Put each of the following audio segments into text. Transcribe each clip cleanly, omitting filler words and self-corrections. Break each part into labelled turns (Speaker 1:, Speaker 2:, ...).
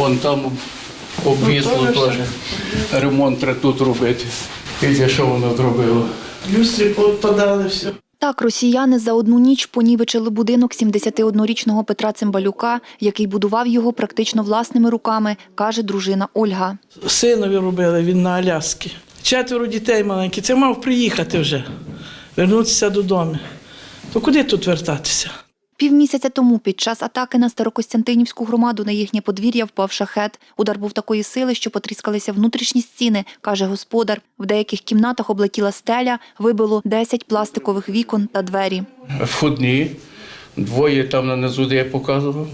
Speaker 1: Вон там обвісло теж. Ремонт треба тут робити. І що воно зробило?
Speaker 2: Люстри подали, все.
Speaker 3: Так, росіяни за одну ніч понівечили будинок 71-річного Петра Цимбалюка, який будував його практично власними руками, каже дружина Ольга.
Speaker 2: Синові робили, він на Аляскі. 4 дітей маленьких. Це мав приїхати вже, вернутися додому. То куди тут вертатися?
Speaker 3: Півмісяця тому під час атаки на Старокостянтинівську громаду на їхнє подвір'я впав шахед. Удар був такої сили, що потріскалися внутрішні стіни, каже господар. В деяких кімнатах облетіла стеля, вибило 10 пластикових вікон та двері.
Speaker 1: Входні, 2 там нанизу, де я показував.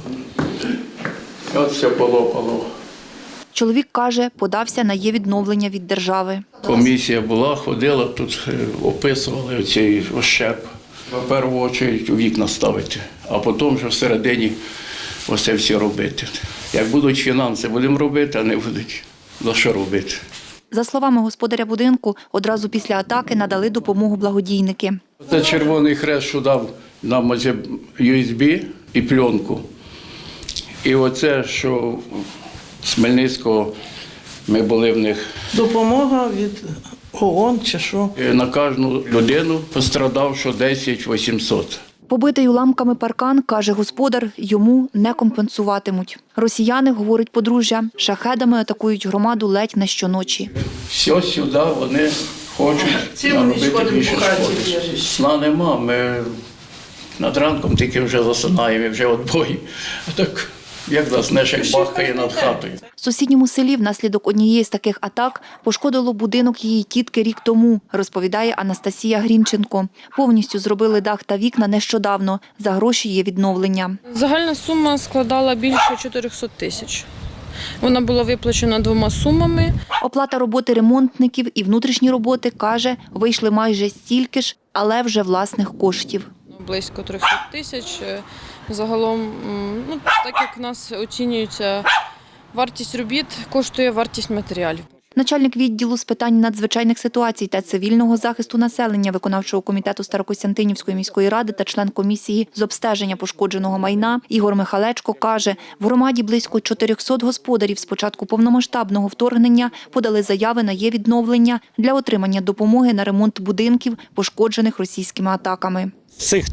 Speaker 1: От все полопало.
Speaker 3: Чоловік каже, подався на є-відновлення від держави.
Speaker 1: Комісія була, ходила, тут описували оцей ощеп. В першу чергу вікна ставити, а потім вже всередині оце все робити. Як будуть фінанси, будемо робити, а не будуть, за що робити.
Speaker 3: За словами господаря будинку, одразу після атаки надали допомогу благодійники.
Speaker 1: Це Червоний Хрест, що дав нам оце USB і пленку. І оце, що з Хмельницького ми були в них.
Speaker 2: Допомога від ООН чи що.
Speaker 1: На кожну людину пострадав, що 10 800.
Speaker 3: Побитий уламками паркан, каже господар, йому не компенсуватимуть. Росіяни, говорить подружжя, шахедами атакують громаду ледь не щоночі.
Speaker 1: Все сюди вони хочуть
Speaker 2: Цим вони
Speaker 1: наробити
Speaker 2: шкодимо
Speaker 1: більше
Speaker 2: по хаті,
Speaker 1: шкоди.
Speaker 2: біжиш.
Speaker 1: Сна нема, ми над ранком тільки вже засинаємо, і вже відбої. А так, як нас нешек бахкає над хатою.
Speaker 3: В сусідньому селі внаслідок однієї з таких атак пошкодило будинок її тітки рік тому, розповідає Анастасія Грінченко. Повністю зробили дах та вікна нещодавно. За гроші є відновлення.
Speaker 4: Загальна сума складала більше 400 тисяч. Вона була виплачена 2 сумами.
Speaker 3: Оплата роботи ремонтників і внутрішні роботи, каже, вийшли майже стільки ж, але вже власних коштів.
Speaker 4: Близько 300 тисяч. Загалом, так як в нас оцінюється вартість робіт, коштує вартість матеріалів.
Speaker 3: Начальник відділу з питань надзвичайних ситуацій та цивільного захисту населення виконавчого комітету Старокостянтинівської міської ради та член комісії з обстеження пошкодженого майна Ігор Михалечко каже, в громаді близько 400 господарів з початку повномасштабного вторгнення подали заяви на є-відновлення для отримання допомоги на ремонт будинків, пошкоджених російськими атаками.
Speaker 5: З цих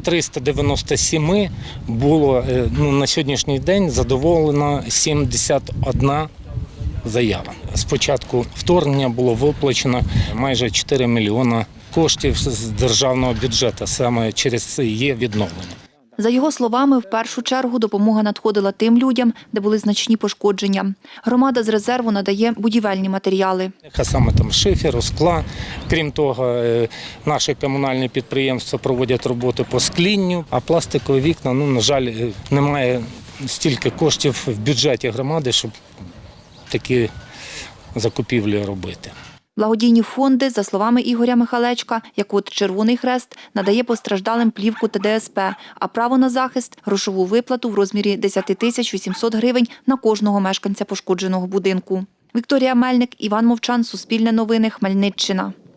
Speaker 5: 397 було на сьогоднішній день задоволено 71 заява. З початку вторгнення було виплачено майже 4 мільйони коштів з державного бюджету, саме через це є відновлення.
Speaker 3: За його словами, в першу чергу допомога надходила тим людям, де були значні пошкодження. Громада з резерву надає будівельні матеріали.
Speaker 5: А саме там шиферу, скла. Крім того, наші комунальні підприємства проводять роботи по склінню, а пластикові вікна, на жаль, немає стільки коштів в бюджеті громади, щоб такі закупівлі робити.
Speaker 3: Благодійні фонди, за словами Ігоря Михалечка, як от Червоний Хрест, надає постраждалим плівку та ДСП, а право на захист – грошову виплату в розмірі 10 тисяч 800 гривень на кожного мешканця пошкодженого будинку. Вікторія Мельник, Іван Мовчан, Суспільне новини, Хмельниччина.